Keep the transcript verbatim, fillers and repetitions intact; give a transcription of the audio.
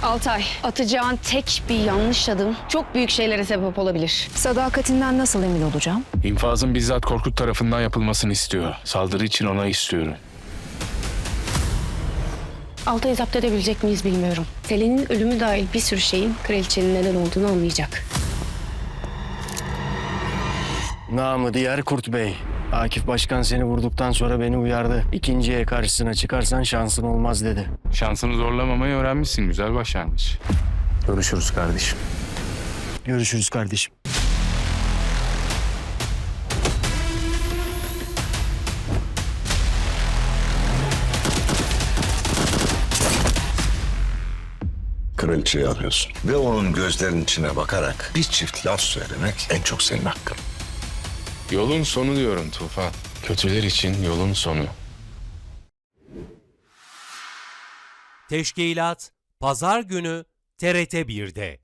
Altay, atacağın tek bir yanlış adım çok büyük şeylere sebep olabilir. Sadakatinden nasıl emin olacağım? İnfazın bizzat Korkut tarafından yapılmasını istiyor. Saldırı için onay istiyorum. Altay'ı zapt edebilecek miyiz bilmiyorum. Selin'in ölümü dahil bir sürü şeyin kraliçenin neden olduğunu anlayacak. Namı diğer Kurt Bey. Akif Başkan seni vurduktan sonra beni uyardı. İkinciye karşısına çıkarsan şansın olmaz dedi. Şansını zorlamamayı öğrenmişsin. Güzel başlangıç. Görüşürüz kardeşim. Görüşürüz kardeşim. Kraliçeyi arıyorsun. Ve onun gözlerinin içine bakarak bir çift laf söylemek en çok senin hakkın. Yolun sonu diyorum Tufan. Kötüler için yolun sonu. Teşkilat Pazar günü T R T bir'de.